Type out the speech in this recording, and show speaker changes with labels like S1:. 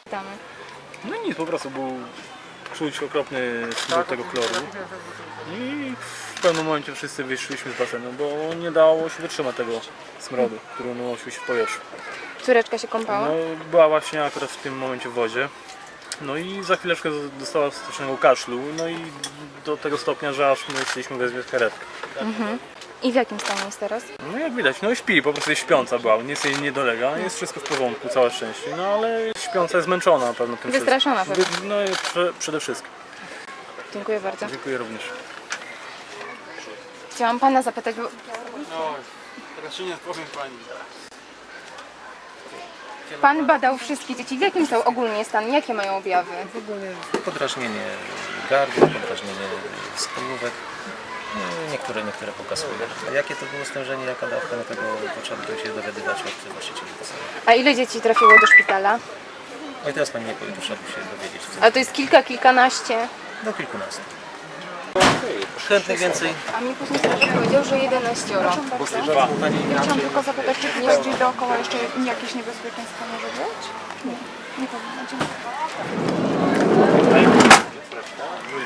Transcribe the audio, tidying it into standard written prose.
S1: Tam.
S2: No nic, po prostu był czuć okropny smród tego chloru. I w pewnym momencie wszyscy wyszliśmy z basenu, bo nie dało się wytrzymać tego smrodu, który unosił się w powietrzu.
S1: Córeczka się kąpała?
S2: No, była właśnie akurat w tym momencie w wodzie. No i za chwileczkę dostała strasznego kaszlu, no i do tego stopnia, że aż my chcieliśmy wezwać karetkę.
S1: I w jakim stanie jest teraz?
S2: No jak widać, no i śpi, po prostu jest śpiąca była, nic jej nie dolega, jest wszystko w porządku, całe szczęście, no ale śpiąca jest zmęczona na pewno tym
S1: Wystraszona
S2: wszystkim.
S1: pewnie.
S2: No i przede wszystkim.
S1: Dziękuję bardzo.
S2: Dziękuję również.
S1: Chciałam pana zapytać, bo
S3: No, teraz się nie powiem pani.
S1: pan badał wszystkie dzieci. W jakim są ogólnie stan? Jakie mają objawy?
S4: Ogólnie podrażnienie gardła, podrażnienie skórówek. Niektóre pokazują. A jakie to było stężenie, jaka dawka, no tego trzeba by się dowiadywać od właścicieli basenu.
S1: A ile dzieci trafiło do szpitala?
S4: No i teraz pani nie powie, to trzeba by się dowiedzieć.
S1: A to jest kilkanaście.
S4: Do kilkunastu. Chętnych więcej.
S1: A mi później strażak powiedział, że 11.
S5: Chciałam tylko zapytać, czy bardziej dookoła jeszcze jakieś niebezpieczeństwo może być? Nie powinno. Dziękuję.